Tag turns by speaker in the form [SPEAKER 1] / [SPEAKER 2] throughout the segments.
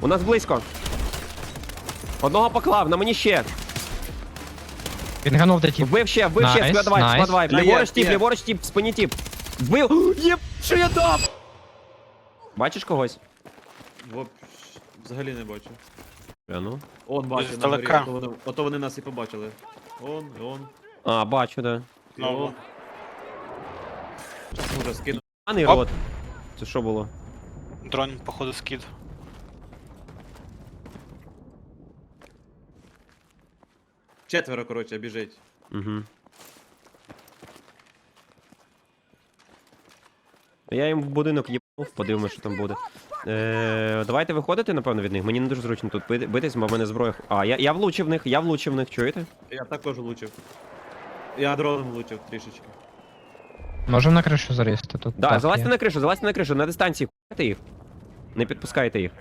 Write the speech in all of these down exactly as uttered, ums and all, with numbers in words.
[SPEAKER 1] У нас близько. Одного поклав, на мені ще.
[SPEAKER 2] Він ганув де тіп.
[SPEAKER 1] Вбив ще, вбив ще,
[SPEAKER 2] Найс,
[SPEAKER 1] складвайп,
[SPEAKER 2] найс.
[SPEAKER 1] складвайп.
[SPEAKER 3] Та є,
[SPEAKER 1] Ліворуч тіп,
[SPEAKER 3] є.
[SPEAKER 1] ліворуч тіп, в спині тіп. Вбив. Єп, що я дав? Бачиш когось?
[SPEAKER 3] Воп... Взагалі не бачу.
[SPEAKER 1] А ну.
[SPEAKER 3] Он бачить на
[SPEAKER 4] Здалека.
[SPEAKER 3] горі, ото вони, ото вони нас і побачили. Он, і он,
[SPEAKER 1] А, бачу, да.
[SPEAKER 3] і
[SPEAKER 4] Знову.
[SPEAKER 3] он. Уже скину.
[SPEAKER 1] Аний
[SPEAKER 4] Оп.
[SPEAKER 1] рот. Це що було?
[SPEAKER 4] Дрон, походу, скид.
[SPEAKER 3] Четверо, коротше, біжить.
[SPEAKER 1] Угу. Я їм в будинок їбнув, подивимось, що там буде. Е, давайте виходити, напевно, від них. Мені не дуже зручно тут бити- битись, бо в мене зброя. А, я, я влучив в них, я влучив в них, чуєте?
[SPEAKER 3] Я також влучив. Я дроном влучив трішечки.
[SPEAKER 2] Можемо на кришу залізти тут.
[SPEAKER 1] Да,
[SPEAKER 2] так
[SPEAKER 1] залазьте
[SPEAKER 2] є.
[SPEAKER 1] на кришу, залазьте на кришу, на дистанції хуйте їх. Не підпускайте їх.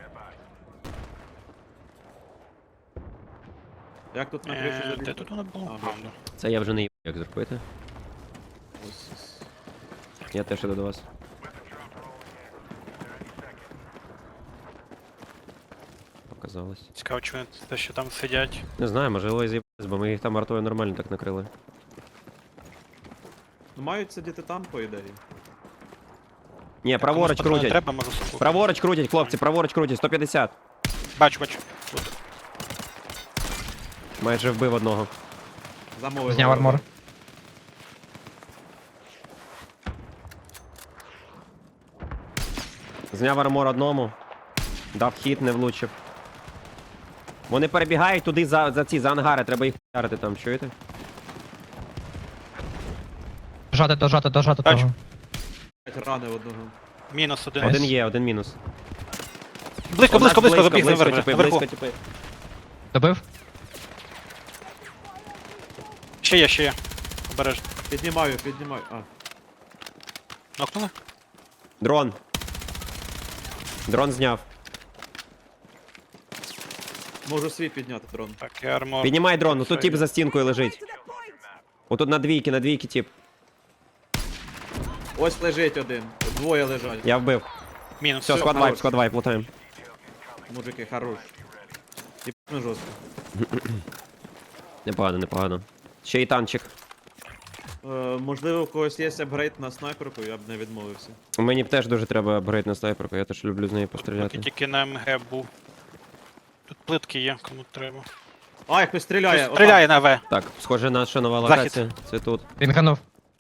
[SPEAKER 3] Як тут на кришу
[SPEAKER 4] Е,
[SPEAKER 3] залізти?
[SPEAKER 4] Де тут воно було?
[SPEAKER 3] А,
[SPEAKER 4] А,
[SPEAKER 3] бачу.
[SPEAKER 4] да.
[SPEAKER 1] Це я вже не їб, як зробити.
[SPEAKER 3] Ось, ось.
[SPEAKER 1] Я теж іду до вас. Показалось.
[SPEAKER 4] Цікаво, чи вони те, що там сидять.
[SPEAKER 1] Не знаю, можливо, і з'їбались, бо ми їх там артою нормально так накрили.
[SPEAKER 3] Ну мають сидіти там, по ідеї.
[SPEAKER 1] Ні, праворуч
[SPEAKER 4] Комусь патрони
[SPEAKER 1] крутять.
[SPEAKER 4] Треба, можу суку.
[SPEAKER 1] Праворуч крутять, хлопці, праворуч крутять, сто п'ятдесят.
[SPEAKER 4] Бачу, бачу.
[SPEAKER 1] Майже вбив одного.
[SPEAKER 3] Замовив.
[SPEAKER 2] Зняв армор.
[SPEAKER 1] Зняв армор одному. Дав хід, не влучив. Вони перебігають туди за, за ці, за ангари, треба їх вдарити там, чуєте?
[SPEAKER 2] Дожати, дожати, дожати
[SPEAKER 4] Бачу.
[SPEAKER 2] того.
[SPEAKER 3] Рани одного.
[SPEAKER 4] Мінус один.
[SPEAKER 1] Один є, один мінус.
[SPEAKER 4] Близько,
[SPEAKER 1] У нас
[SPEAKER 4] близько, близько, забіг
[SPEAKER 1] близько,
[SPEAKER 4] наверх.
[SPEAKER 1] типи,
[SPEAKER 4] Наверху.
[SPEAKER 1] близько, типи.
[SPEAKER 2] Добив?
[SPEAKER 4] Ще є, ще є. Обережно.
[SPEAKER 3] Піднімаю, піднімаю. А,
[SPEAKER 4] Нокнули?
[SPEAKER 1] Дрон. Дрон зняв.
[SPEAKER 3] можу свій підняти дрон.
[SPEAKER 4] Так, і армор.
[SPEAKER 1] Піднімай дрон, ну тут
[SPEAKER 4] Все
[SPEAKER 1] тип
[SPEAKER 4] є.
[SPEAKER 1] за стінкою лежить. Отут на двійки, на двійки тип.
[SPEAKER 3] Ось лежить один. Двоє лежать.
[SPEAKER 1] Я вбив.
[SPEAKER 4] Мінус.
[SPEAKER 1] Все,
[SPEAKER 3] Всё,
[SPEAKER 1] склад вайп,
[SPEAKER 3] хорош.
[SPEAKER 1] склад вайп, лутаємо.
[SPEAKER 3] Мужики, хорош. Типно жорстко.
[SPEAKER 1] Непогано, непогано. Ще й танчик.
[SPEAKER 3] Е, можливо, у когось є апгрейд на снайперку, я б не відмовився.
[SPEAKER 1] Мені б теж дуже треба апгрейд на снайперку, я теж люблю з нею
[SPEAKER 4] Поки
[SPEAKER 1] постріляти.
[SPEAKER 4] тільки на МГ був. Тут плитки є, кому треба.
[SPEAKER 3] А, як хтось стріляє!
[SPEAKER 4] Хтось Стріляє на В.
[SPEAKER 1] Так, схоже, наша нова
[SPEAKER 4] Захід.
[SPEAKER 1] локація. Це тут.
[SPEAKER 2] Він ганув.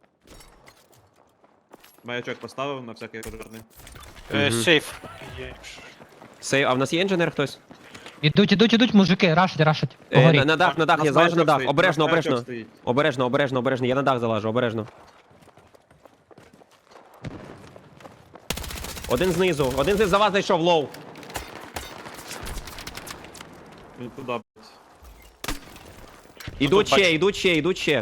[SPEAKER 3] Маячок поставив на всякий пожарний.
[SPEAKER 4] Е,
[SPEAKER 1] Мгм.
[SPEAKER 4] Сейф. Є.
[SPEAKER 1] Сейв, а в нас є інженер хтось?
[SPEAKER 2] Ідуть, ідуть, ідуть, мужики, рашать, рашать.
[SPEAKER 1] Е,
[SPEAKER 2] Погорі.
[SPEAKER 1] на, на дах, на дах,
[SPEAKER 3] Нас
[SPEAKER 1] я залажу на
[SPEAKER 3] маячок
[SPEAKER 1] дах.
[SPEAKER 3] стоїть,
[SPEAKER 1] Обережно,
[SPEAKER 3] нас маячок
[SPEAKER 1] обережно.
[SPEAKER 3] стоїть.
[SPEAKER 1] Обережно, обережно, обережно. Я на дах залажу, обережно. Один знизу, один знизу за вас зайшов, лоу.
[SPEAKER 3] Він туди, блядь.
[SPEAKER 1] Ідуть
[SPEAKER 4] бачу.
[SPEAKER 1] ще, ідуть ще, ідуть ще.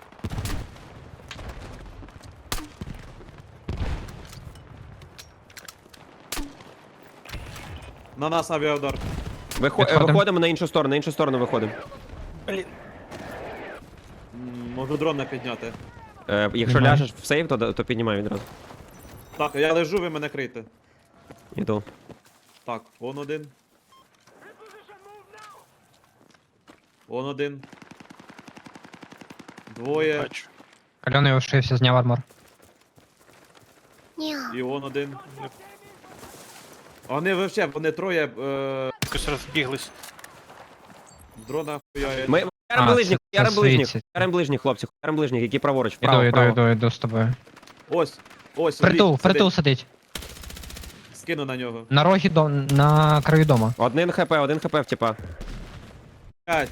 [SPEAKER 3] На нас авіаудар.
[SPEAKER 1] Вихо...
[SPEAKER 2] Підходимо.
[SPEAKER 1] Виходимо на іншу сторону, на іншу сторону виходимо.
[SPEAKER 4] Блін.
[SPEAKER 3] М, Можу дрон не підняти.
[SPEAKER 1] Е, якщо
[SPEAKER 2] Піднімай.
[SPEAKER 1] ляжеш в сейв, то, то піднімай відразу.
[SPEAKER 3] Так, я лежу, ви мене крийте.
[SPEAKER 1] Іду.
[SPEAKER 3] Так, он один. Он один. Двоє.
[SPEAKER 4] Бачу.
[SPEAKER 2] Кальоний ушився, зняв армор.
[SPEAKER 3] І он один. А Вони вообще, вони троє е,
[SPEAKER 4] Якось розбіглись.
[SPEAKER 3] дрона хуяють.
[SPEAKER 1] Ми ярим
[SPEAKER 2] А,
[SPEAKER 1] ближніх,
[SPEAKER 2] це- це
[SPEAKER 1] ярим ближніх,
[SPEAKER 2] світі.
[SPEAKER 1] ярим ближніх, хлопці, ярим ближніх, які праворуч, вправо,
[SPEAKER 2] Іду, іду,
[SPEAKER 1] вправо.
[SPEAKER 2] іду, іду з тобою.
[SPEAKER 3] Ось, ось.
[SPEAKER 2] Притул,
[SPEAKER 3] сидить,
[SPEAKER 2] притул
[SPEAKER 3] сидить.
[SPEAKER 2] сидить.
[SPEAKER 3] Скину на нього.
[SPEAKER 2] На рогі до... на краю дома.
[SPEAKER 1] Один хп, один хп в типа.
[SPEAKER 3] П'ять.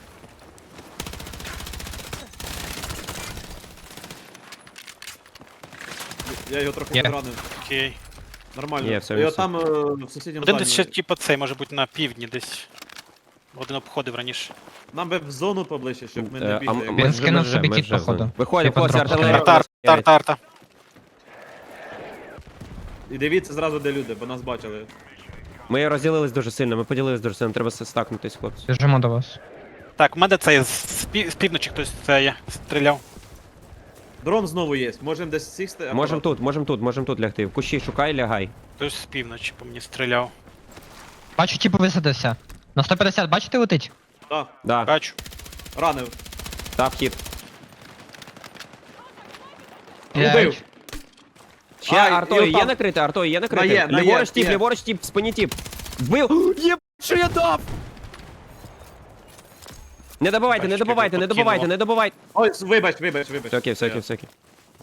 [SPEAKER 3] Я його трохи
[SPEAKER 2] Є.
[SPEAKER 3] підранив.
[SPEAKER 4] Окей.
[SPEAKER 3] Нормально.
[SPEAKER 1] Є, все,
[SPEAKER 3] Я
[SPEAKER 1] все.
[SPEAKER 3] там е, в сусідньому
[SPEAKER 4] Один десь ще,
[SPEAKER 3] здані.
[SPEAKER 4] типу, цей, може бути на півдні десь. Один обходив раніше.
[SPEAKER 3] Нам би в зону поближче, щоб ми
[SPEAKER 1] Е,
[SPEAKER 3] не
[SPEAKER 1] а
[SPEAKER 3] бігли.
[SPEAKER 1] м-
[SPEAKER 3] як-
[SPEAKER 1] ми
[SPEAKER 2] Він
[SPEAKER 1] вже-
[SPEAKER 2] скинув
[SPEAKER 1] ми вже-
[SPEAKER 2] собі
[SPEAKER 1] ми
[SPEAKER 2] кіт,
[SPEAKER 1] вже в
[SPEAKER 2] походу.
[SPEAKER 1] зоні. Виходимо,
[SPEAKER 2] Типа
[SPEAKER 1] хлопці,
[SPEAKER 2] дроп
[SPEAKER 1] артилерія.
[SPEAKER 4] Арта, арта, арта, арта.
[SPEAKER 3] І дивіться зразу, де люди, бо нас бачили.
[SPEAKER 1] Ми розділились дуже сильно, ми поділились дуже сильно, треба стакнутись, хлопці.
[SPEAKER 2] Біжимо до вас.
[SPEAKER 4] Так, у мене цей з, пі- з півночі хтось це є. Стріляв.
[SPEAKER 3] Дрон знову є. Можемо десь сісти.
[SPEAKER 1] Можем
[SPEAKER 3] акуратно.
[SPEAKER 1] тут, можем тут, можем тут лягти. В кущі шукай, лягай.
[SPEAKER 4] Хтось з півночі по мені стріляв.
[SPEAKER 2] Бачу, типу висадився. На сто п'ятдесят, бачите, летить?
[SPEAKER 3] Так,
[SPEAKER 1] Да,
[SPEAKER 4] Бачу.
[SPEAKER 3] ранив.
[SPEAKER 1] та вхід.
[SPEAKER 3] Убив.
[SPEAKER 2] П'ять.
[SPEAKER 1] Ще
[SPEAKER 3] А, і
[SPEAKER 1] артою є
[SPEAKER 3] отам.
[SPEAKER 1] накрите, артою є
[SPEAKER 3] На
[SPEAKER 1] накрите.
[SPEAKER 3] є, на є,
[SPEAKER 1] Ліворуч тіп,
[SPEAKER 3] є.
[SPEAKER 1] ліворуч тіп, в спині тіп. Вбив. Є, що я дав? Не добивайте, не
[SPEAKER 4] Бачиш,
[SPEAKER 1] добивайте,
[SPEAKER 4] як
[SPEAKER 1] не
[SPEAKER 4] його
[SPEAKER 1] добивайте,
[SPEAKER 4] подкинуло.
[SPEAKER 1] не добивайте.
[SPEAKER 3] Ой, вибач, вибач, вибач.
[SPEAKER 1] Все окей, все окей,
[SPEAKER 3] Я-
[SPEAKER 1] все окей.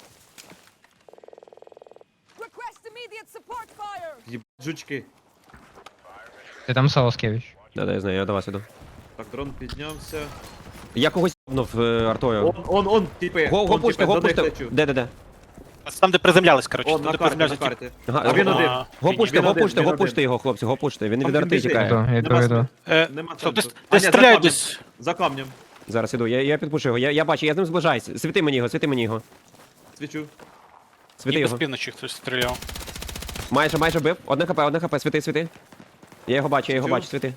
[SPEAKER 5] Request immediate support fire!
[SPEAKER 3] Їб... Жучки.
[SPEAKER 2] Ти там Солоскевич.
[SPEAKER 1] Да, да, я знаю, я до вас іду.
[SPEAKER 3] Так, дрон піднявся.
[SPEAKER 1] Я когось єбнув е, артою.
[SPEAKER 3] Он, он, он, типи.
[SPEAKER 1] Го, го
[SPEAKER 3] он,
[SPEAKER 1] пуште,
[SPEAKER 3] типи,
[SPEAKER 1] го
[SPEAKER 3] до них
[SPEAKER 1] пуште.
[SPEAKER 3] лечу.
[SPEAKER 1] Де, де, де?
[SPEAKER 4] Там, де приземлялись, коротше.
[SPEAKER 3] Он,
[SPEAKER 4] Там,
[SPEAKER 3] на
[SPEAKER 4] де
[SPEAKER 3] карті, на
[SPEAKER 4] приземлялись.
[SPEAKER 3] карті.
[SPEAKER 1] Ага,
[SPEAKER 3] А він
[SPEAKER 1] го-
[SPEAKER 3] один.
[SPEAKER 1] Го
[SPEAKER 3] Він
[SPEAKER 1] пуште, го
[SPEAKER 3] один,
[SPEAKER 1] пуште,
[SPEAKER 3] він
[SPEAKER 1] го
[SPEAKER 3] один.
[SPEAKER 1] пуште його, хлопці, го пуште. Він
[SPEAKER 3] Там
[SPEAKER 1] від арти
[SPEAKER 3] біжить.
[SPEAKER 1] тікає.
[SPEAKER 2] Іду, іду,
[SPEAKER 3] Нема
[SPEAKER 2] іду.
[SPEAKER 4] Е,
[SPEAKER 3] Нема
[SPEAKER 4] стоп, десь,
[SPEAKER 3] сенсу. А,
[SPEAKER 4] десь
[SPEAKER 3] ні, за
[SPEAKER 4] стріляють
[SPEAKER 3] камнем.
[SPEAKER 4] десь.
[SPEAKER 3] За камнем.
[SPEAKER 1] Зараз іду, я, я підпушу його, я, я бачу, я з ним зближаюсь. Світи мені його, світи мені його.
[SPEAKER 3] Свічу.
[SPEAKER 1] Світи
[SPEAKER 4] Ніби з
[SPEAKER 1] його.
[SPEAKER 4] півночі хтось стріляв.
[SPEAKER 1] Майже, майже бив. Одне хп, одне хп, світи, світи. Я його бачу, я його
[SPEAKER 3] Чув?
[SPEAKER 1] бачу, світи.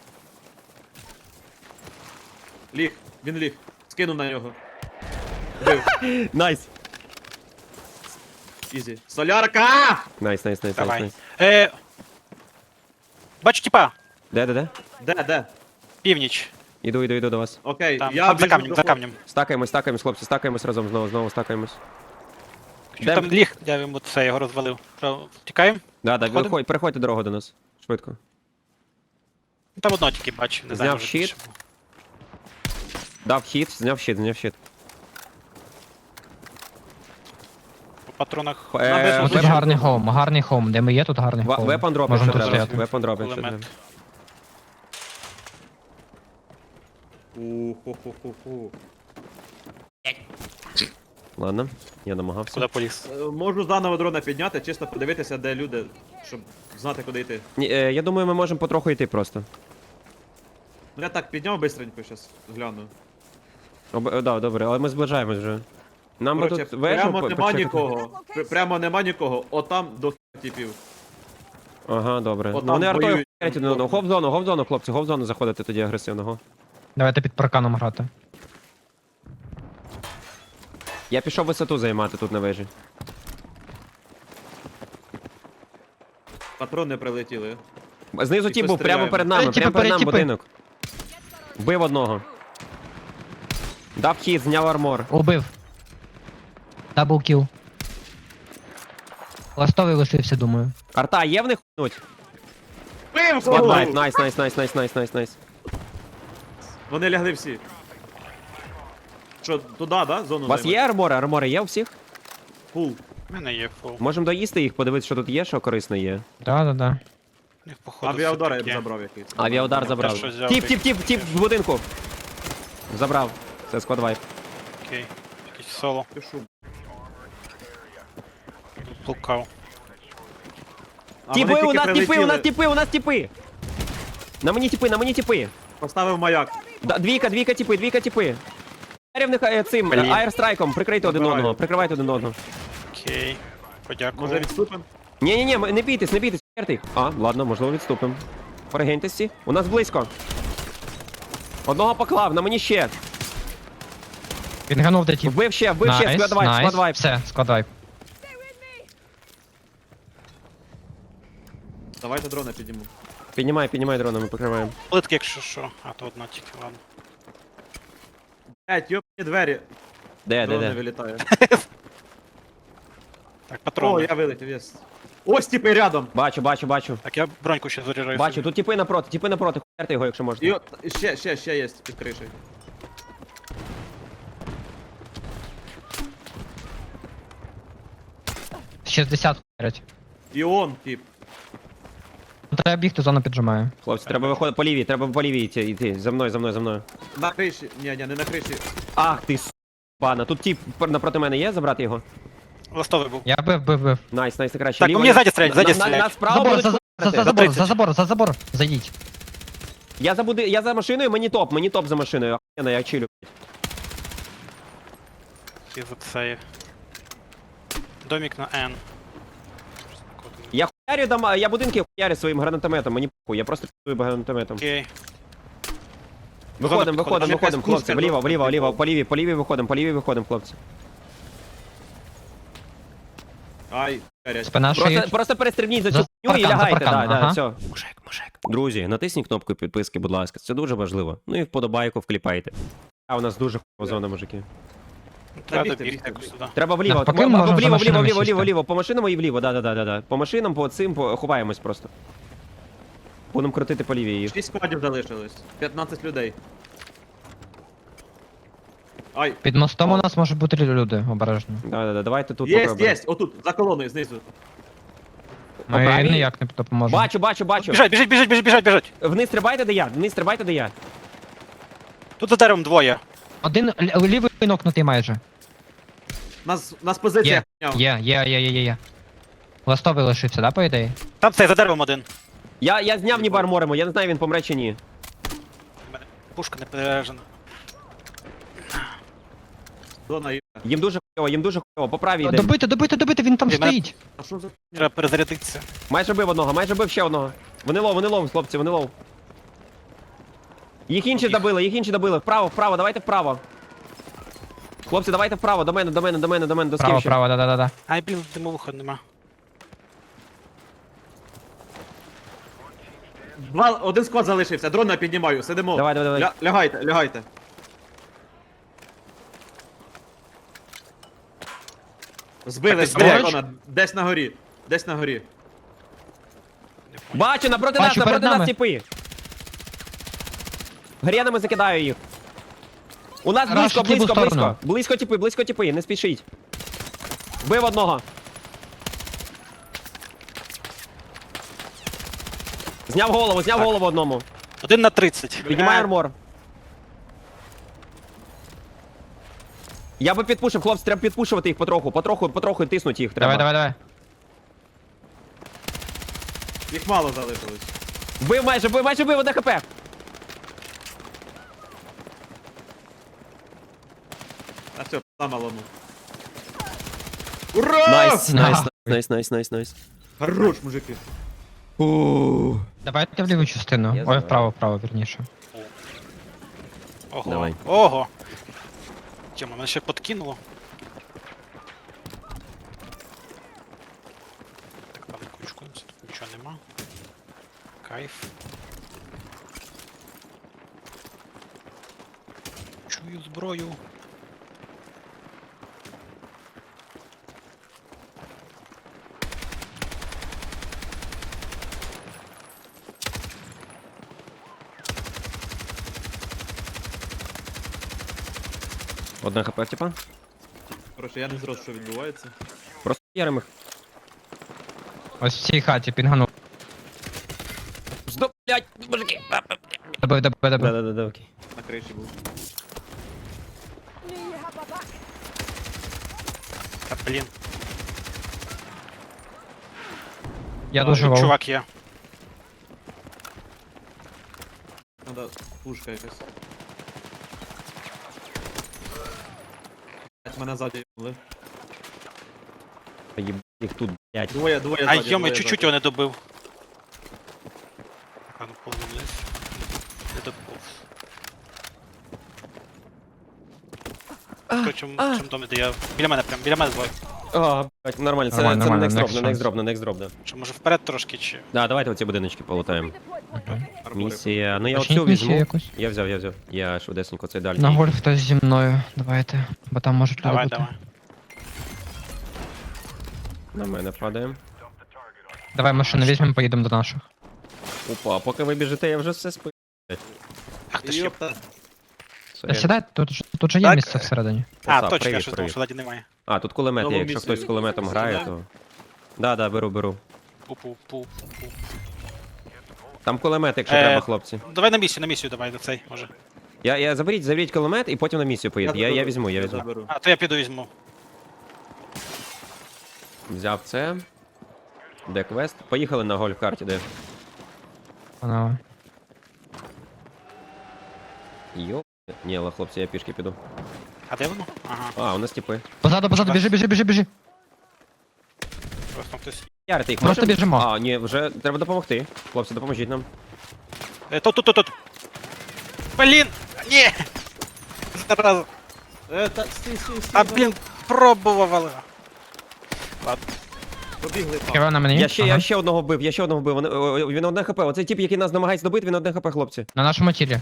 [SPEAKER 3] Ліг. Він ліг. Скинув на нього. Бив.
[SPEAKER 1] Найс.
[SPEAKER 3] Ізі. Солярка!
[SPEAKER 1] Найс, найс, найс, найс,
[SPEAKER 4] Давай.
[SPEAKER 1] найс.
[SPEAKER 4] Е, бачу, типа.
[SPEAKER 1] Де, де, де?
[SPEAKER 3] Де, де?
[SPEAKER 4] Північ.
[SPEAKER 1] Іду, іду, іду до вас.
[SPEAKER 3] Окей,
[SPEAKER 4] Там,
[SPEAKER 3] я
[SPEAKER 4] там за
[SPEAKER 3] біжу
[SPEAKER 4] камнем,
[SPEAKER 3] до
[SPEAKER 4] за
[SPEAKER 3] хлопця.
[SPEAKER 4] камнем.
[SPEAKER 1] Стакаємось, стакаємось, хлопці, стакаємось разом знову, знову стакаємось.
[SPEAKER 4] Що
[SPEAKER 1] Де-
[SPEAKER 4] там ліг, я йому це його розвалив. Що, Тікаємо?
[SPEAKER 1] Да, да,
[SPEAKER 4] Виходимо?
[SPEAKER 1] виходь, переходьте дорогу до нас. Швидко.
[SPEAKER 4] Там одного тільки бачу, не знаю.
[SPEAKER 1] Зняв
[SPEAKER 4] може
[SPEAKER 1] щит.
[SPEAKER 4] більше було.
[SPEAKER 1] Дав хід, зняв щит, зняв щит.
[SPEAKER 4] По патронах.
[SPEAKER 1] Е,
[SPEAKER 3] без-
[SPEAKER 2] Ну тут
[SPEAKER 3] Дуже
[SPEAKER 2] гарний
[SPEAKER 3] добре.
[SPEAKER 2] хоум, гарний хоум. Де ми є, тут гарний
[SPEAKER 1] ва-
[SPEAKER 2] хоум.
[SPEAKER 1] Вепон дроп,
[SPEAKER 2] Можемо
[SPEAKER 1] якщо
[SPEAKER 2] тут
[SPEAKER 1] треба.
[SPEAKER 2] стояти.
[SPEAKER 1] Вепон дроп, якщо треба.
[SPEAKER 4] Кулемет.
[SPEAKER 3] Уху-ху-ху-ху.
[SPEAKER 1] Ладно, я намагався.
[SPEAKER 4] Куди поліз?
[SPEAKER 3] Е, Можу заново дрона підняти, чисто подивитися, де люди, щоб знати, куди йти.
[SPEAKER 1] Ні, е, я думаю, ми можемо потроху йти просто.
[SPEAKER 3] Ну я так підняв бистренько, щас гляну.
[SPEAKER 1] Об, е, да, добре, але ми зближаємось вже. Нам би
[SPEAKER 3] Короче,
[SPEAKER 1] тут вежу
[SPEAKER 3] прямо
[SPEAKER 1] по-
[SPEAKER 3] нема
[SPEAKER 1] почекати.
[SPEAKER 3] нікого. Пр- Прямо нема нікого. Отам до типів.
[SPEAKER 1] Ага, добре.
[SPEAKER 3] От
[SPEAKER 1] Ну
[SPEAKER 3] там
[SPEAKER 1] вони артою
[SPEAKER 3] воюють.
[SPEAKER 1] хуярять один одного. Гоп в зону, гоп в зону, хлопці, гоп в зону заходити тоді агресивного.
[SPEAKER 2] Давайте під парканом грати.
[SPEAKER 1] Я пішов висоту займати тут на вежі.
[SPEAKER 3] Патрони прилетіли.
[SPEAKER 1] Знизу
[SPEAKER 3] І
[SPEAKER 1] ті був, прямо
[SPEAKER 3] постріляємо.
[SPEAKER 1] перед нами,
[SPEAKER 2] Е, тіпи,
[SPEAKER 1] прямо перед нами
[SPEAKER 2] тіпи.
[SPEAKER 1] будинок. Бив одного. Дав хід, зняв армор.
[SPEAKER 2] Убив. Дабл кіл. Ластовий лишився, думаю.
[SPEAKER 1] Арта, є в них хнуть?
[SPEAKER 3] Пив!
[SPEAKER 1] Спотлайт, найс, найс, найс, найс, найс, найс, найс.
[SPEAKER 3] Вони лягли всі. Що, туди, да? Зону
[SPEAKER 1] У вас є армори? Армори є у всіх?
[SPEAKER 3] Фул.
[SPEAKER 4] У мене є фул.
[SPEAKER 1] Можемо доїсти їх, подивитися, що тут є, що корисне є.
[SPEAKER 2] Да-да-да.
[SPEAKER 4] У них, походу,
[SPEAKER 3] Авіаудар я
[SPEAKER 4] все-таки.
[SPEAKER 3] б забрав якийсь.
[SPEAKER 1] Авіаудар забрав.
[SPEAKER 4] що взяв,
[SPEAKER 1] Тіп,
[SPEAKER 4] ти-
[SPEAKER 1] тіп, тіп, тіп в будинку. Забрав. Це склад вайп.
[SPEAKER 4] Окей. Якийсь соло.
[SPEAKER 3] Пишу.
[SPEAKER 4] Плукав.
[SPEAKER 3] А
[SPEAKER 1] Тіпи,
[SPEAKER 3] вони
[SPEAKER 1] у
[SPEAKER 3] тільки
[SPEAKER 1] нас тіпи, у
[SPEAKER 3] прилетіли.
[SPEAKER 1] нас тіпи, у нас тіпи. На мені тіпи, на мені тіпи.
[SPEAKER 3] Поставив маяк.
[SPEAKER 1] Да, двійка, двійка тіпи, двійка тіпи. Рівних е, цим
[SPEAKER 4] Блін.
[SPEAKER 1] аерстрайком, прикрийте один
[SPEAKER 3] Забираю.
[SPEAKER 1] одного, прикривайте один одного.
[SPEAKER 4] Окей. Подякував.
[SPEAKER 3] Може відступимо?
[SPEAKER 1] Ні, ні, ні, не бійтесь, не бійтесь, херти їх. А, ладно, можливо, відступимо. Перегиньтесь всі. У нас близько. Одного поклав, на мені ще.
[SPEAKER 2] Він ганув де тіп.
[SPEAKER 1] Вбив ще, вбив ще,
[SPEAKER 2] Найс,
[SPEAKER 1] склад вайп,
[SPEAKER 2] найс.
[SPEAKER 1] склад вайп.
[SPEAKER 2] Все, склад вайп.
[SPEAKER 3] Давайте дрона підійму.
[SPEAKER 1] Піднімай, піднімай дрона, ми покриваємо.
[SPEAKER 4] Плитки, якщо що. А, то одна тільки, ладно.
[SPEAKER 3] Блять, йопні двері.
[SPEAKER 1] Де, де,
[SPEAKER 3] Дрон не
[SPEAKER 1] де?
[SPEAKER 3] вилітає.
[SPEAKER 4] Так,
[SPEAKER 3] О,
[SPEAKER 4] патрони.
[SPEAKER 3] я вилетів, єс. Ось типи рядом.
[SPEAKER 1] Бачу, бачу, бачу.
[SPEAKER 4] Так, я броньку ще заряджаю.
[SPEAKER 1] Бачу,
[SPEAKER 4] собі.
[SPEAKER 1] тут тіпи напроти, тіпи напроти, хуярте його, якщо
[SPEAKER 3] І
[SPEAKER 1] можна.
[SPEAKER 3] от, ще, ще, ще є під кришею.
[SPEAKER 2] шістдесят хуярять.
[SPEAKER 3] І он, тип.
[SPEAKER 2] Ну, треба бігти, зона піджимає.
[SPEAKER 1] Хлопці, треба виходити по лівій, треба по лівій йти, йти. За мною, за мною, за мною.
[SPEAKER 3] На криші. Ні, ні, не на криші.
[SPEAKER 1] Ах ти с***, бана. Тут тіп пер- напроти мене є, забрати його?
[SPEAKER 4] Ластовий був.
[SPEAKER 2] Я бив, бив, бив.
[SPEAKER 1] Найс, найс, найкраще.
[SPEAKER 4] Так,
[SPEAKER 1] Ліво,
[SPEAKER 4] у мене
[SPEAKER 1] ліво.
[SPEAKER 4] ззаді стріляють, ззаді
[SPEAKER 1] На- на-
[SPEAKER 4] стріляють.
[SPEAKER 1] Нас справа
[SPEAKER 2] Забор,
[SPEAKER 1] будуть
[SPEAKER 2] за, за, за,
[SPEAKER 1] хуярити.
[SPEAKER 2] за забор,
[SPEAKER 4] тридцять.
[SPEAKER 2] за забор, за забор. Зайдіть.
[SPEAKER 1] Я за, буди... я за машиною, мені топ, мені топ за машиною. Охуєнно, я чилю.
[SPEAKER 4] І за це. Домік на N.
[SPEAKER 1] Я хуярю дома, я будинки хуярю своїм гранатометом, мені похуй, я просто п'ю гранатометом.
[SPEAKER 4] Окей.
[SPEAKER 1] Виходимо,
[SPEAKER 4] Зона
[SPEAKER 1] виходимо,
[SPEAKER 3] підходить.
[SPEAKER 1] виходимо, хлопці,
[SPEAKER 3] Якась
[SPEAKER 1] вліво,
[SPEAKER 3] пушка
[SPEAKER 1] вліво, вліво,
[SPEAKER 3] зона
[SPEAKER 1] по лівій, по лівій виходимо, по лівій виходимо, хлопці.
[SPEAKER 3] Ай, гарять.
[SPEAKER 2] Спина
[SPEAKER 1] Просто,
[SPEAKER 2] шиють.
[SPEAKER 1] просто перестрибніть за
[SPEAKER 2] За
[SPEAKER 1] цю хуйню і
[SPEAKER 2] паркан, за
[SPEAKER 1] лягайте,
[SPEAKER 2] паркан,
[SPEAKER 1] да, да,
[SPEAKER 2] ага.
[SPEAKER 1] все. Мужик, мужик. Друзі, натисніть кнопку підписки, будь ласка, це дуже важливо. Ну і вподобайку вкліпайте. А у нас дуже хуйова зона, мужики.
[SPEAKER 4] Треба
[SPEAKER 3] бігти,
[SPEAKER 4] добігти
[SPEAKER 3] бігти.
[SPEAKER 4] якось туди.
[SPEAKER 1] Треба вліво,
[SPEAKER 2] Навпаки,
[SPEAKER 1] або-
[SPEAKER 2] ми
[SPEAKER 1] або
[SPEAKER 2] можемо
[SPEAKER 1] вліво,
[SPEAKER 2] за
[SPEAKER 1] вліво,
[SPEAKER 2] машинами
[SPEAKER 1] вліво,
[SPEAKER 2] сісти.
[SPEAKER 1] вліво, вліво, по машинам і вліво, да, да, да, да, да. По машинам, по цим, по... ховаємось просто. Будемо крутити по лівій їх.
[SPEAKER 3] Шість складів залишилось. п'ятнадцять людей. Ай,
[SPEAKER 2] Під мостом у нас можуть бути люди, обережно.
[SPEAKER 1] Да, да, да, давайте тут
[SPEAKER 3] єсть,
[SPEAKER 1] попробуємо.
[SPEAKER 3] єсть, отут, за колоною, знизу.
[SPEAKER 2] Ми
[SPEAKER 1] правій?
[SPEAKER 2] ніяк не допоможемо.
[SPEAKER 1] Бачу, бачу, бачу.
[SPEAKER 4] Біжать, біжать, біжать, біжать, біжать, біжать.
[SPEAKER 1] Вниз стрибайте, де я, вниз стрибайте, де я.
[SPEAKER 4] Тут за деревом двоє.
[SPEAKER 2] Один л- лівий нокнутий майже.
[SPEAKER 3] Нас, нас позиція
[SPEAKER 2] Є,
[SPEAKER 3] хуйня.
[SPEAKER 2] є, є, є, є, є, є. Ластовий лишився, да, по ідеї?
[SPEAKER 4] Там цей за деревом один.
[SPEAKER 1] Я, я зняв ніби арморимо, я не знаю, він помре чи ні.
[SPEAKER 4] У мене пушка не перережена.
[SPEAKER 3] Зона є.
[SPEAKER 1] Їм дуже хуйово, їм дуже хуйово, по правій йдемо.
[SPEAKER 2] Добити, добити, добити, він там
[SPEAKER 4] Ні, мене-
[SPEAKER 2] стоїть.
[SPEAKER 3] А що за хуйня?
[SPEAKER 4] Треба перезарядитися.
[SPEAKER 1] Майже бив одного, майже бив ще одного. Вони лов, вони лов, хлопці, вони лов. Їх інші добили, їх інші добили. Вправо, вправо, давайте вправо. Хлопці, давайте вправо, до мене, до мене, до мене, до мене, до
[SPEAKER 2] Право,
[SPEAKER 1] скіфів.
[SPEAKER 2] право, да-да-да.
[SPEAKER 4] Ай, блін, димовуха нема.
[SPEAKER 3] Два, один склад залишився, дрона піднімаю, сидимо.
[SPEAKER 1] Давай, давай, давай.
[SPEAKER 3] Ля, лягайте, лягайте. Збили,
[SPEAKER 4] Так,
[SPEAKER 3] збили
[SPEAKER 4] ти
[SPEAKER 3] дрона, десь на горі, десь на горі.
[SPEAKER 1] Бачу, напроти
[SPEAKER 2] Бачу,
[SPEAKER 1] нас, напроти
[SPEAKER 2] перед
[SPEAKER 1] нас
[SPEAKER 2] нами.
[SPEAKER 1] тіпи. Гренами закидаю їх. У нас
[SPEAKER 2] Рашить
[SPEAKER 1] близько,
[SPEAKER 2] ліву
[SPEAKER 1] близько, близько.
[SPEAKER 2] сторону.
[SPEAKER 1] Близько тіпи, близько тіпи, не спішіть. Бив одного. Зняв голову, зняв
[SPEAKER 4] Так.
[SPEAKER 1] голову одному.
[SPEAKER 4] Один на тридцять.
[SPEAKER 1] Піднімай
[SPEAKER 4] Е,
[SPEAKER 1] армор. Я би підпушив, хлопці, треба підпушувати їх потроху, потроху, потроху тиснуть їх треба.
[SPEAKER 2] Давай, давай, давай.
[SPEAKER 3] Їх мало залишилось.
[SPEAKER 1] Бив майже, бив, майже бив, одне хп.
[SPEAKER 3] А все, на малому. Ура!
[SPEAKER 1] Найс, найс,
[SPEAKER 2] Нахуй.
[SPEAKER 1] найс, найс, найс, найс.
[SPEAKER 3] Хорош, мужики.
[SPEAKER 2] Давайте в ліву частину.
[SPEAKER 1] Я
[SPEAKER 2] Ой,
[SPEAKER 1] знаю.
[SPEAKER 2] вправо, вправо, вірніше.
[SPEAKER 4] Ого.
[SPEAKER 1] Давай.
[SPEAKER 4] Ого. Тьома, мене ще подкинуло. Так, там ключкуємося, тут нічого нема. Кайф. Чую зброю.
[SPEAKER 1] Одне хп, типа.
[SPEAKER 3] Короче, я не зрозумів, що відбувається.
[SPEAKER 1] Просто ярим їх.
[SPEAKER 2] Ось в цій хаті пінганув.
[SPEAKER 1] Стоп, блядь, мужики.
[SPEAKER 2] Добив, добив, добив.
[SPEAKER 1] Да-да-да, окей.
[SPEAKER 3] На криші був.
[SPEAKER 5] Knew you had my back.
[SPEAKER 4] Та блін.
[SPEAKER 2] Я
[SPEAKER 3] А,
[SPEAKER 2] дуже
[SPEAKER 4] Тут
[SPEAKER 2] вов.
[SPEAKER 4] чувак є.
[SPEAKER 3] Надо пушка якась. Блять, мене ззаді їбали.
[SPEAKER 1] Їб їх тут, блядь.
[SPEAKER 3] Двоє, двоє
[SPEAKER 4] Ай,
[SPEAKER 3] ззаді,
[SPEAKER 4] йома,
[SPEAKER 3] двоє
[SPEAKER 4] чуть-чуть
[SPEAKER 3] ззаді.
[SPEAKER 4] його не добив. А ну половину вниз. Не добив. Хто чим, чим домі, де я... Біля мене прям, біля мене двоє.
[SPEAKER 1] А, блядь, нормально, це,
[SPEAKER 2] Нормально,
[SPEAKER 1] це на
[SPEAKER 2] нормально,
[SPEAKER 1] next drop,
[SPEAKER 2] next
[SPEAKER 1] на next
[SPEAKER 2] chance.
[SPEAKER 1] drop, на next drop, да.
[SPEAKER 4] Чи може вперед трошки, чи...
[SPEAKER 1] Да, давайте оці будиночки полутаємо.
[SPEAKER 5] Redeployed point.
[SPEAKER 3] Армори.
[SPEAKER 1] Місія, ну я
[SPEAKER 2] Почніть
[SPEAKER 1] оцю
[SPEAKER 2] місію
[SPEAKER 1] візьму.
[SPEAKER 2] якусь.
[SPEAKER 1] Я взяв, я взяв. Я швидесенько цей дальній.
[SPEAKER 2] На гольф хтось зі мною. Давайте. Бо там можуть люди
[SPEAKER 4] Давай,
[SPEAKER 2] бути.
[SPEAKER 4] давай.
[SPEAKER 1] На мене падає.
[SPEAKER 2] Давай машину візьмемо, поїдемо до наших.
[SPEAKER 1] Опа, поки ви біжите, я вже все спи.
[SPEAKER 4] Ах ти ж є.
[SPEAKER 3] Йопта.
[SPEAKER 1] Все,
[SPEAKER 2] Та
[SPEAKER 1] я-
[SPEAKER 2] сідай, тут, ж- тут же є
[SPEAKER 4] Так.
[SPEAKER 2] місце всередині.
[SPEAKER 4] А,
[SPEAKER 1] Оса,
[SPEAKER 4] точно, я
[SPEAKER 1] привіт,
[SPEAKER 4] щось думав,
[SPEAKER 1] привіт.
[SPEAKER 4] що ззаді немає.
[SPEAKER 1] А, тут кулемет є,
[SPEAKER 3] Нову
[SPEAKER 1] якщо
[SPEAKER 3] місію.
[SPEAKER 1] хтось з кулеметом
[SPEAKER 3] Сюди?
[SPEAKER 1] грає, то... Да, да, беру, беру.
[SPEAKER 4] Пу-пу-пу-пу.
[SPEAKER 1] Там кулемет, якщо
[SPEAKER 4] Е,
[SPEAKER 1] треба, хлопці.
[SPEAKER 4] Давай на місію, на місію давай, на цей, може.
[SPEAKER 1] Я, я заберіть, заберіть кулемет і потім на місію поїду. Я, я
[SPEAKER 3] заберу,
[SPEAKER 1] візьму, я візьму.
[SPEAKER 3] заберу.
[SPEAKER 4] А, то я піду візьму.
[SPEAKER 1] Взяв це. Де квест? Поїхали на гольф-карті, де?
[SPEAKER 2] Панове.
[SPEAKER 1] Йо. Ні, але хлопці, я пішки піду.
[SPEAKER 4] А де воно? Ага,
[SPEAKER 1] А, у нас типи.
[SPEAKER 2] Позаду, позаду, біжи, біжи, біжи, біжи.
[SPEAKER 4] просто хтось.
[SPEAKER 1] Ярити їх
[SPEAKER 2] Просто
[SPEAKER 1] можемо?
[SPEAKER 2] біжимо.
[SPEAKER 1] А, ні, вже треба допомогти. Хлопці, допоможіть нам.
[SPEAKER 4] Е, тут, тут, тут, тут. Блін! Ні! Зараза.
[SPEAKER 3] Е, та, стій, стій, стій.
[SPEAKER 4] А, блін, пробував, але... Ладно.
[SPEAKER 3] Побігли там.
[SPEAKER 2] Хіба на мені?
[SPEAKER 1] Я ще,
[SPEAKER 2] Ага.
[SPEAKER 1] я ще одного вбив, я ще одного вбив. Вони- о, Він одне хп. Оцей тип, який нас намагається добити, він одне хп, хлопці.
[SPEAKER 2] На нашому тілі.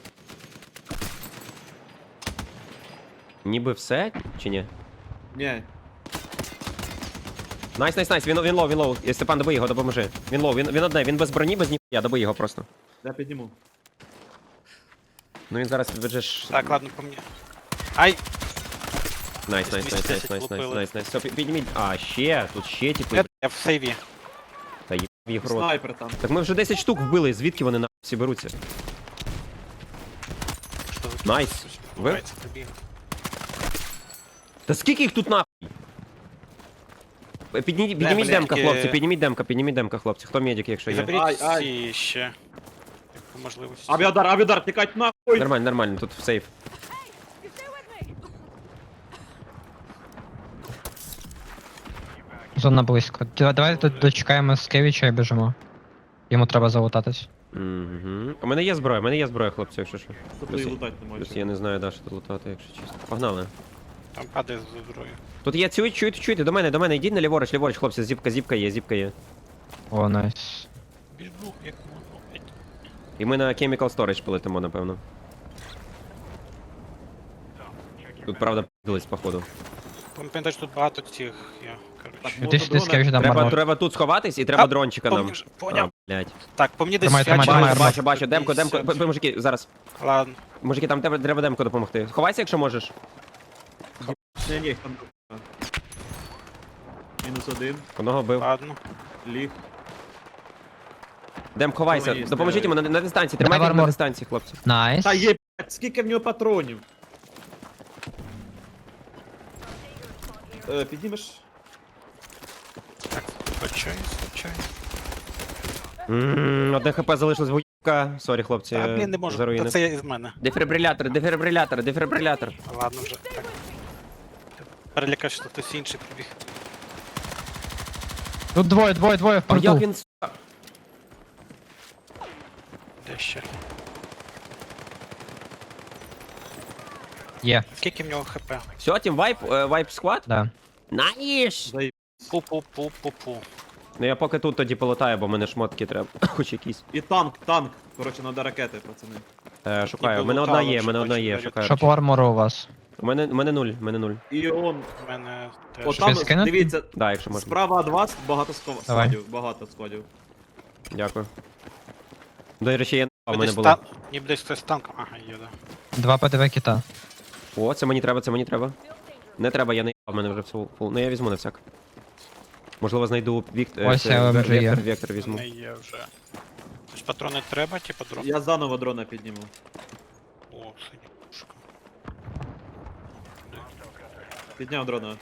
[SPEAKER 1] Ніби все, чи ні?
[SPEAKER 3] Ні.
[SPEAKER 1] Найс, найс, найс, він, він лоу, він лоу. Е, Степан, добий його, допоможи. Він лоу, він, він одне, він без броні, без ніхуя, добий його просто.
[SPEAKER 3] Я підніму.
[SPEAKER 1] Ну він зараз підведеш.
[SPEAKER 4] Так, ладно, по мені. Ай!
[SPEAKER 1] Найс, найс, найс, найс, найс, найс, найс, найс. Все, пі- підніміть. А, ще, тут ще типу.
[SPEAKER 4] Я, я в сейві.
[SPEAKER 1] Та їб їх рот.
[SPEAKER 3] Снайпер там.
[SPEAKER 1] Так ми вже десять штук вбили, звідки вони на всі беруться?
[SPEAKER 4] Що ви тут
[SPEAKER 1] Найс.
[SPEAKER 4] щось
[SPEAKER 1] Ви?
[SPEAKER 4] відбувається, прибіг.
[SPEAKER 1] Та скільки їх тут нахуй? Е, Підніміть, підніміть
[SPEAKER 4] бля,
[SPEAKER 1] демка,
[SPEAKER 4] які-
[SPEAKER 1] хлопці, підніміть демка, підніміть демка, хлопці. Хто медик, якщо є?
[SPEAKER 4] Заберіть
[SPEAKER 3] Ай, ай.
[SPEAKER 4] всі ще. Як по можливості.
[SPEAKER 3] Авіадар, авіадар, тікать нахуй!
[SPEAKER 1] Нормально, нормально, тут сейф.
[SPEAKER 5] You stay with me.
[SPEAKER 2] Зона близько. Д- Давай тут дочекаємо Скевіча і біжимо. Йому треба залутатись.
[SPEAKER 1] Угу. У мене є зброя, у мене є зброя, хлопці, якщо що.
[SPEAKER 3] Тут
[SPEAKER 1] Плюс,
[SPEAKER 3] її лутати не
[SPEAKER 1] плюс
[SPEAKER 3] можеш.
[SPEAKER 1] я не знаю, да, що тут лутати, якщо чесно. Погнали.
[SPEAKER 4] Там падає з зброю.
[SPEAKER 1] Тут є, чують, чують, чуєте, до мене, до мене, йдіть на ліворуч, ліворуч, хлопці, зіпка, зіпка є, зіпка є.
[SPEAKER 2] О, найс.
[SPEAKER 4] Біжу, як можу.
[SPEAKER 1] І ми на Chemical Storage полетимо, напевно. Тут, правда, п***лись, походу.
[SPEAKER 4] Пам'ятаєш, тут багато цих, я, коротше.
[SPEAKER 3] Так,
[SPEAKER 2] Ти ж ти
[SPEAKER 3] дрона.
[SPEAKER 2] Скевіча дам
[SPEAKER 1] Треба,
[SPEAKER 2] армор.
[SPEAKER 1] треба тут сховатись і треба
[SPEAKER 4] А,
[SPEAKER 1] дрончика нам.
[SPEAKER 4] поміж- поняв.
[SPEAKER 1] А, блядь.
[SPEAKER 4] Так, по мені десь
[SPEAKER 2] Тримай, тримай,
[SPEAKER 4] фігачить.
[SPEAKER 2] тримай,
[SPEAKER 1] Бачу,
[SPEAKER 2] армор.
[SPEAKER 1] бачу, бачу, демко, демко, п- п- мужики, зараз.
[SPEAKER 4] Ладно.
[SPEAKER 1] Мужики, там тебе треба демко допомогти. Ховайся, якщо можеш.
[SPEAKER 3] Ні, ні, їх там. Мінус один.
[SPEAKER 1] Одного бив.
[SPEAKER 4] Ладно.
[SPEAKER 3] Ліг.
[SPEAKER 1] Дем, ховайся.
[SPEAKER 3] Ой,
[SPEAKER 1] Допоможіть йому на, на дистанції. Тримайте
[SPEAKER 2] Давай
[SPEAKER 1] його на
[SPEAKER 2] армор.
[SPEAKER 1] дистанції, хлопці.
[SPEAKER 2] Найс.
[SPEAKER 3] Та є, блядь, скільки в нього патронів? Е, піднімеш?
[SPEAKER 4] Так, скачай, скачай.
[SPEAKER 1] Ммм, одне хп залишилось вуйка. Сорі, хлопці.
[SPEAKER 4] Та, блін, не можу.
[SPEAKER 1] за руїни.
[SPEAKER 4] Та це із мене.
[SPEAKER 1] Дефібрилятор, дефібрилятор, дефібрилятор.
[SPEAKER 4] Ладно вже. Так. Перелякав, що хтось інший прибіг.
[SPEAKER 2] Тут двоє, двоє, двоє в
[SPEAKER 1] А як
[SPEAKER 2] порту.
[SPEAKER 1] він, сука?
[SPEAKER 4] Де ще?
[SPEAKER 2] Є,
[SPEAKER 4] Скільки в нього хп?
[SPEAKER 1] Все, тім вайп, е, вайп склад?
[SPEAKER 2] да.
[SPEAKER 1] Наїш!
[SPEAKER 3] Заї-
[SPEAKER 4] Пу-пу-пу-пу-пу.
[SPEAKER 1] Ну я поки тут тоді полетаю, бо мене шмотки треба. Хоч якісь.
[SPEAKER 3] І танк, танк. Коротше, надо ракети, пацани.
[SPEAKER 1] Е, шукаю. У
[SPEAKER 4] Ніби
[SPEAKER 1] мене одна
[SPEAKER 4] лутало,
[SPEAKER 1] є, у
[SPEAKER 4] що
[SPEAKER 1] мене одна
[SPEAKER 4] бачу,
[SPEAKER 1] є,
[SPEAKER 4] навіть.
[SPEAKER 1] шукаю.
[SPEAKER 2] Що по армору у вас?
[SPEAKER 1] У мене, у мене нуль, у мене нуль.
[SPEAKER 3] І он,
[SPEAKER 4] У мене теж.
[SPEAKER 3] от
[SPEAKER 2] Що,
[SPEAKER 3] там,
[SPEAKER 2] скинути?
[SPEAKER 3] дивіться,
[SPEAKER 1] Да, якщо можна.
[SPEAKER 3] справа від вас багато ск-
[SPEAKER 2] Давай.
[SPEAKER 3] складів, багато складів.
[SPEAKER 1] Дякую. До речі, я а в
[SPEAKER 4] Ніби
[SPEAKER 1] мене
[SPEAKER 4] десь
[SPEAKER 1] було.
[SPEAKER 4] та- Ніби десь хтось з танком. Ага, є, да.
[SPEAKER 2] Два ПДВ кита.
[SPEAKER 1] О, це мені треба, це мені треба. Не треба, я не в мене вже все фул. Ну я візьму на всяк. Можливо, знайду віктор.
[SPEAKER 2] Ось я ем джі є.
[SPEAKER 1] вектор, вектор візьму.
[SPEAKER 4] Не є вже. Тож патрони треба, типу дрон.
[SPEAKER 3] Я заново дрона підніму.
[SPEAKER 4] О, синя пушка.
[SPEAKER 3] Підняв дрона.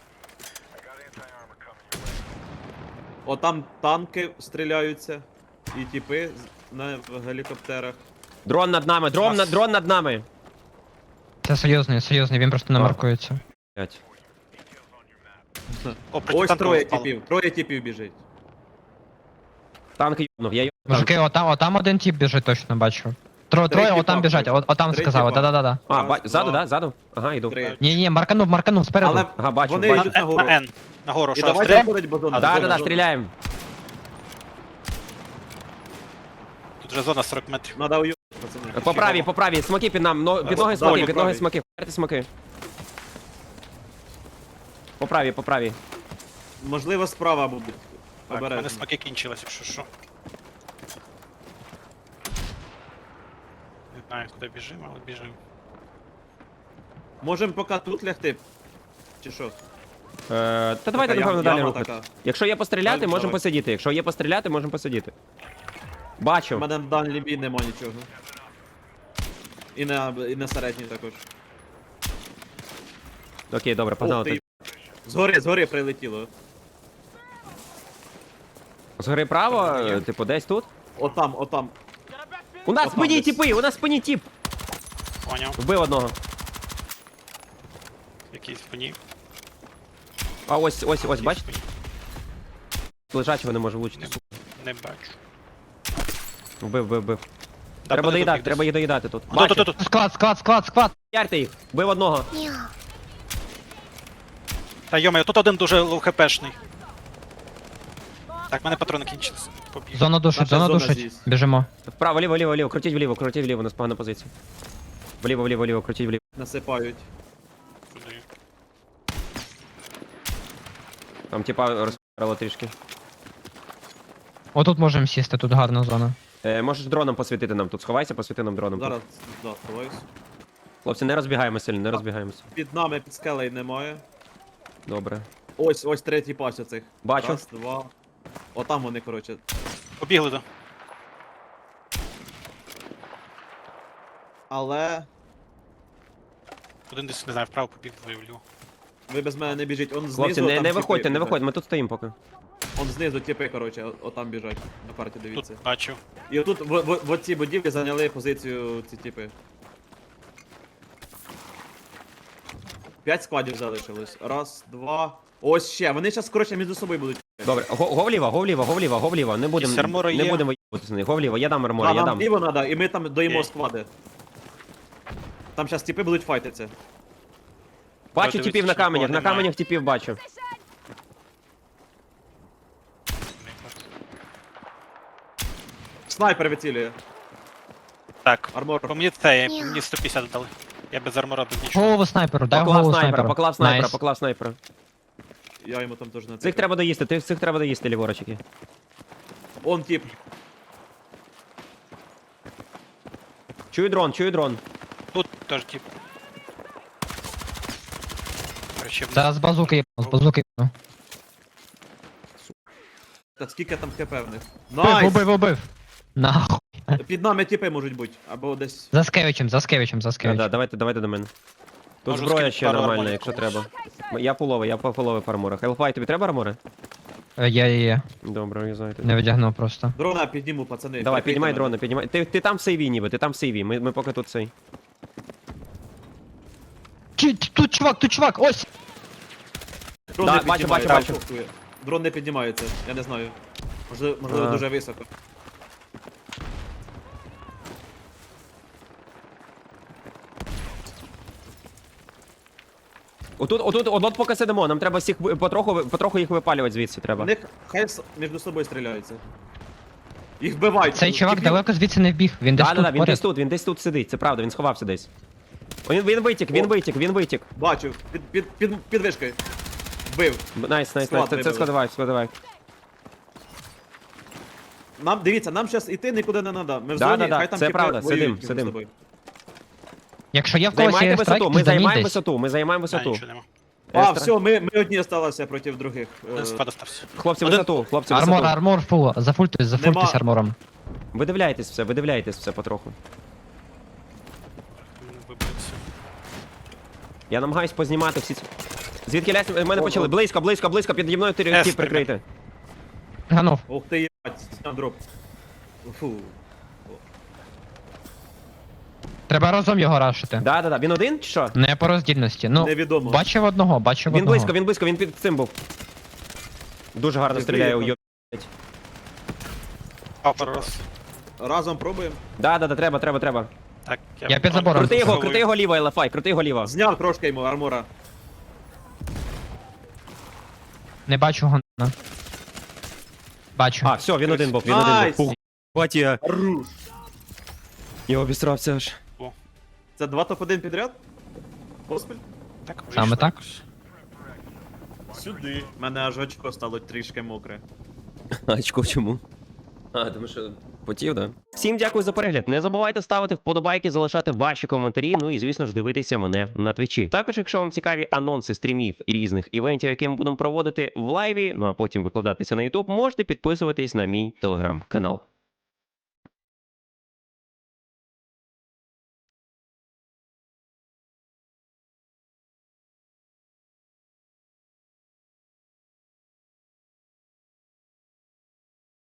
[SPEAKER 3] О, там танки стріляються. І тіпи з- на в гелікоптерах.
[SPEAKER 1] Дрон над нами, дрон, над, дрон над нами.
[SPEAKER 2] Це серйозний, серйозний, він просто не
[SPEAKER 1] Так.
[SPEAKER 2] маркується.
[SPEAKER 1] Блять.
[SPEAKER 4] О,
[SPEAKER 3] Ось
[SPEAKER 4] протитанкова
[SPEAKER 3] троє
[SPEAKER 4] впала.
[SPEAKER 3] тіпів, троє тіпів біжить.
[SPEAKER 1] Танк йобнув, я йобнув.
[SPEAKER 2] Мужики, отам, отам один тип біжить, точно бачу. Тро,
[SPEAKER 3] Три
[SPEAKER 2] троє
[SPEAKER 3] тіпа,
[SPEAKER 2] отам біжать,
[SPEAKER 3] коротше.
[SPEAKER 2] от, отам
[SPEAKER 3] Три
[SPEAKER 2] сказали,
[SPEAKER 3] тіпа.
[SPEAKER 2] да-да-да.
[SPEAKER 1] А,
[SPEAKER 3] Раз,
[SPEAKER 1] ба... ззаду,
[SPEAKER 3] два,
[SPEAKER 1] да? Ззаду? Ага, йду.
[SPEAKER 3] Три.
[SPEAKER 2] Ні, ні, марканув, марканув, спереду.
[SPEAKER 3] Але
[SPEAKER 1] Ага, бачу,
[SPEAKER 3] вони
[SPEAKER 1] бачу.
[SPEAKER 3] йдуть нагору.
[SPEAKER 4] На Н. Нагору,
[SPEAKER 3] І
[SPEAKER 4] що
[SPEAKER 3] давайте
[SPEAKER 4] стріляємо?
[SPEAKER 3] заходить базона.
[SPEAKER 4] А,
[SPEAKER 1] Да, да,
[SPEAKER 3] зона,
[SPEAKER 1] да,
[SPEAKER 3] зона.
[SPEAKER 1] стріляємо.
[SPEAKER 4] Тут вже зона сорок метрів.
[SPEAKER 3] Надо уйти, пацани.
[SPEAKER 1] По правій, по правій, смоки під нам, но, під ноги
[SPEAKER 3] Да,
[SPEAKER 1] смоки,
[SPEAKER 3] по
[SPEAKER 1] під ноги
[SPEAKER 3] правій.
[SPEAKER 1] смоки, вперте смоки. По правій, по правій.
[SPEAKER 3] Можливо, справа будуть.
[SPEAKER 4] Так, у мене
[SPEAKER 3] Обережно.
[SPEAKER 4] смаки кінчилися, якщо що. Не знаю, куди біжимо, але біжимо.
[SPEAKER 3] Можемо поки тут лягти. Чи що?
[SPEAKER 1] Е, та давайте,
[SPEAKER 3] Така
[SPEAKER 1] напевно,
[SPEAKER 3] яма
[SPEAKER 1] далі рухати.
[SPEAKER 3] така.
[SPEAKER 1] Якщо є постріляти,
[SPEAKER 3] Далі,
[SPEAKER 1] можемо
[SPEAKER 3] давай.
[SPEAKER 1] посидіти. Якщо є постріляти, можемо посидіти.
[SPEAKER 3] У
[SPEAKER 1] Бачу.
[SPEAKER 3] мене на дальній бій нема нічого. І на, і на середній також.
[SPEAKER 1] Окей, добре,
[SPEAKER 3] Ух
[SPEAKER 1] погнали.
[SPEAKER 3] ти.
[SPEAKER 1] тоді.
[SPEAKER 3] Згори, згори прилетіло.
[SPEAKER 1] Згори право, е, типу, десь тут.
[SPEAKER 3] Отам, отам.
[SPEAKER 1] У нас в
[SPEAKER 3] Отам
[SPEAKER 1] спині
[SPEAKER 3] десь.
[SPEAKER 1] тіпи, у нас в спині тіп.
[SPEAKER 4] Поняв.
[SPEAKER 1] Вбив одного.
[SPEAKER 4] Якийсь спині.
[SPEAKER 1] А ось, ось, ось, бачите?
[SPEAKER 4] Спині.
[SPEAKER 1] Лежачого не може влучити.
[SPEAKER 4] Не бачу.
[SPEAKER 1] Вбив, вбив, вбив.
[SPEAKER 4] Да,
[SPEAKER 1] Треба
[SPEAKER 4] вони
[SPEAKER 1] доїдати,
[SPEAKER 4] тут
[SPEAKER 1] треба їх доїдати тут.
[SPEAKER 4] десь. Тут, тут,
[SPEAKER 1] Бачу.
[SPEAKER 4] тут, тут.
[SPEAKER 2] Склад, склад, склад, склад.
[SPEAKER 1] Ярте їх. Вбив одного.
[SPEAKER 4] Та йомаю, тут один дуже лоу-хпшний. Так, в мене патрони кінчились. Побіг.
[SPEAKER 2] Зона душить,
[SPEAKER 3] Наша
[SPEAKER 2] зона
[SPEAKER 3] зона
[SPEAKER 2] душить.
[SPEAKER 3] здесь.
[SPEAKER 2] Біжимо.
[SPEAKER 1] Вправо, ліво, ліво, ліво, крутіть вліво, крутіть вліво, у нас погана позиція. Вліво, вліво, вліво, крутіть вліво.
[SPEAKER 3] Насипають.
[SPEAKER 4] Туди.
[SPEAKER 1] Там типа розпирало трішки.
[SPEAKER 2] Отут можемо сісти, тут гарна зона.
[SPEAKER 1] Е, можеш дроном посвітити нам тут. Сховайся, посвіти нам дроном.
[SPEAKER 3] Зараз, да, сховаюсь.
[SPEAKER 1] Хлопці, не розбігаємося сильно, не розбігаємося.
[SPEAKER 3] Під нами, під скелею немає.
[SPEAKER 1] Добре.
[SPEAKER 3] Ось, ось третій пас оцих.
[SPEAKER 1] Бачу.
[SPEAKER 3] Раз, два. Отам вони, коротше.
[SPEAKER 4] Побігли, да.
[SPEAKER 3] Але
[SPEAKER 4] Один десь, не знаю, вправо побіг, двоє вліво.
[SPEAKER 3] ви без мене не біжіть. Он знизу.
[SPEAKER 1] Хлопці, не,
[SPEAKER 3] там
[SPEAKER 1] не
[SPEAKER 3] тіпи
[SPEAKER 1] виходьте, не
[SPEAKER 3] біжать.
[SPEAKER 1] виходьте, ми тут стоїмо поки.
[SPEAKER 3] Он знизу тіпи, коротше, о- отам біжать. На карті
[SPEAKER 4] Тут
[SPEAKER 3] дивіться.
[SPEAKER 4] бачу.
[SPEAKER 3] І отут в, в, в цій будівлі зайняли позицію ці тіпи. П'ять складів залишилось. Раз, два. Ось ще. Вони зараз, коротше, між собою будуть.
[SPEAKER 1] Добре, го, го вліво, го вліво, го вліво, го вліво. Не будемо,
[SPEAKER 4] Якісь армори
[SPEAKER 1] не
[SPEAKER 4] є?
[SPEAKER 1] будемо виїбатися з них. Го вліво, я дам армори,
[SPEAKER 3] А,
[SPEAKER 1] я
[SPEAKER 3] нам
[SPEAKER 1] дам.
[SPEAKER 3] ліво треба, і ми там доїмо
[SPEAKER 4] Окей.
[SPEAKER 3] склади. Там зараз тіпи будуть файтитися.
[SPEAKER 1] Бачу
[SPEAKER 4] Дивіться,
[SPEAKER 1] типів на
[SPEAKER 4] що нікого
[SPEAKER 1] каменях, на
[SPEAKER 4] немає.
[SPEAKER 1] каменях типів бачу.
[SPEAKER 3] Снайпер вицілює.
[SPEAKER 4] Так,
[SPEAKER 3] Армор.
[SPEAKER 4] по мені це, я- мені сто п'ятдесят дали. Я без армора тут нічого.
[SPEAKER 2] Голову снайперу, дай
[SPEAKER 1] Поклав
[SPEAKER 2] голову
[SPEAKER 1] снайпера,
[SPEAKER 2] снайперу.
[SPEAKER 1] поклав снайпера,
[SPEAKER 2] Найс.
[SPEAKER 1] поклав снайпера.
[SPEAKER 3] Я йому там теж на
[SPEAKER 1] Цих треба доїсти, ти- цих треба доїсти, ліворочики.
[SPEAKER 3] Он тип.
[SPEAKER 1] Чую дрон, чую дрон.
[SPEAKER 4] Тут теж тип. Короче, вниз.
[SPEAKER 2] Зараз з базуки їбану, з базуки їбану.
[SPEAKER 3] Так скільки там хп в них?
[SPEAKER 2] Убив,
[SPEAKER 3] Найс!
[SPEAKER 2] убив, убив. Нахуй.
[SPEAKER 3] Під нами тіпи можуть бути. Або десь.
[SPEAKER 2] За Скевичем, за Скевичем, за
[SPEAKER 1] Да, да,
[SPEAKER 2] Скевичем.
[SPEAKER 1] давайте, давайте до мене. Тут
[SPEAKER 4] Можу
[SPEAKER 1] зброя
[SPEAKER 4] скинути
[SPEAKER 1] ще
[SPEAKER 4] пару
[SPEAKER 1] нормальна,
[SPEAKER 4] арморів.
[SPEAKER 1] якщо треба. Я пуловий, я по пуловий по арморах. Хелфай, тобі треба армори?
[SPEAKER 2] Е, Я її
[SPEAKER 1] Добре, я знаю.
[SPEAKER 2] не видягнув просто.
[SPEAKER 3] Дрона підніму, пацани.
[SPEAKER 1] Давай,
[SPEAKER 3] прикрийте
[SPEAKER 1] піднімай
[SPEAKER 3] мене.
[SPEAKER 1] дрони, піднімай. Ти, ти там в сейві ніби, ти там в сейві, ми, ми поки тут цей.
[SPEAKER 2] Чи- Тут чувак, тут чувак, ось!
[SPEAKER 3] Дрон
[SPEAKER 1] Да,
[SPEAKER 3] не
[SPEAKER 1] бачу,
[SPEAKER 3] піднімається,
[SPEAKER 1] бачу, бачу.
[SPEAKER 3] похує. Дрон не піднімається, я не знаю. Можливо, можливо
[SPEAKER 1] А.
[SPEAKER 3] дуже високо.
[SPEAKER 1] Отут, отут, от поки сидимо, нам треба всіх ви- потроху, ви- потроху їх випалювати звідси треба.
[SPEAKER 3] Вони хай с- між собою стріляються. Їх вбивають.
[SPEAKER 2] Цей чувак
[SPEAKER 3] Тіпів-
[SPEAKER 2] далеко звідси не вбіг, він десь
[SPEAKER 1] Да, да, да,
[SPEAKER 2] тут
[SPEAKER 1] він десь
[SPEAKER 2] поряд.
[SPEAKER 1] тут, він десь тут сидить, це правда, він сховався десь. Він, він витік, він
[SPEAKER 3] О.
[SPEAKER 1] витік, він витік.
[SPEAKER 3] Бачу, під, під, під, під вишкою. Вбив.
[SPEAKER 1] Б- Найс, найс,
[SPEAKER 3] Склад
[SPEAKER 1] найс, це, це
[SPEAKER 3] вибили.
[SPEAKER 1] складовай, складовай.
[SPEAKER 3] Нам, дивіться, нам зараз іти нікуди не треба. Ми в
[SPEAKER 1] Да,
[SPEAKER 3] зоні,
[SPEAKER 1] да, да,
[SPEAKER 3] хай там
[SPEAKER 1] це
[SPEAKER 3] тіпи
[SPEAKER 1] правда,
[SPEAKER 3] воюють
[SPEAKER 1] сидим,
[SPEAKER 3] між
[SPEAKER 1] сидим.
[SPEAKER 3] собою.
[SPEAKER 2] Якщо є в когось
[SPEAKER 1] Займайте
[SPEAKER 2] є
[SPEAKER 1] висоту,
[SPEAKER 2] страйк,
[SPEAKER 1] ми
[SPEAKER 2] то замінь
[SPEAKER 1] займаємо
[SPEAKER 2] десь.
[SPEAKER 1] висоту, ми займаємо
[SPEAKER 4] Да,
[SPEAKER 1] висоту.
[SPEAKER 4] нічого нема.
[SPEAKER 3] А,
[SPEAKER 1] Естра.
[SPEAKER 3] все, ми, ми одні залишилися проти других. Е,
[SPEAKER 4] Один спад остався.
[SPEAKER 1] Хлопці,
[SPEAKER 4] Один-
[SPEAKER 1] висоту, хлопці,
[SPEAKER 2] Армор,
[SPEAKER 1] висоту.
[SPEAKER 2] армор, фул, зафультуйся, зафультуйся
[SPEAKER 3] Нема.
[SPEAKER 2] армором.
[SPEAKER 1] Видивляйтесь все, видивляйтесь все потроху.
[SPEAKER 4] Вибився.
[SPEAKER 1] Я намагаюсь познімати всі ці... Звідки лясь, мене
[SPEAKER 3] О,
[SPEAKER 1] почали.
[SPEAKER 3] о.
[SPEAKER 1] Близько, близько, близько, піді мною ти
[SPEAKER 4] Естер,
[SPEAKER 1] ті прикрити.
[SPEAKER 2] Ганув.
[SPEAKER 3] Ух ти, їбать, сняв дроп. Фу.
[SPEAKER 2] Треба разом його рашити.
[SPEAKER 1] Да, да, да, він один чи що?
[SPEAKER 2] Не по роздільності. Ну,
[SPEAKER 3] Невідомо.
[SPEAKER 2] бачив одного, бачив
[SPEAKER 1] Він
[SPEAKER 2] одного.
[SPEAKER 1] близько, він близько, він під цим був. Дуже гарно
[SPEAKER 3] Ти
[SPEAKER 1] стріляє у
[SPEAKER 3] приїхав.
[SPEAKER 1] йо...
[SPEAKER 4] А, пару раз.
[SPEAKER 3] Разом пробуємо.
[SPEAKER 1] Да, да, да, треба, треба, треба.
[SPEAKER 4] Так,
[SPEAKER 2] Я під забором.
[SPEAKER 1] Крути його,
[SPEAKER 4] Заховую.
[SPEAKER 1] крути його ліво, Елефай, крути його ліво.
[SPEAKER 3] Зняв трошки йому армора.
[SPEAKER 2] Не бачу гона. Бачу.
[SPEAKER 1] А, все, він один був, він один
[SPEAKER 3] Найс!
[SPEAKER 1] був. Фух, бать я.
[SPEAKER 3] Руш.
[SPEAKER 1] Я обісрався аж.
[SPEAKER 3] Це два топ один підряд? Поспіль?
[SPEAKER 4] Так,
[SPEAKER 2] Саме
[SPEAKER 4] вийшло.
[SPEAKER 2] так?
[SPEAKER 3] Сюди. У мене аж очко стало трішки мокре.
[SPEAKER 1] Очко чому? А, тому що потів, да? Всім дякую за перегляд. Не забувайте ставити вподобайки, залишати ваші коментарі. Ну і звісно ж дивитися мене на твічі. Також, якщо вам цікаві анонси стрімів і різних івентів, які ми будемо проводити в лайві, ну а потім викладатися на YouTube, можете підписуватись на мій телеграм-канал.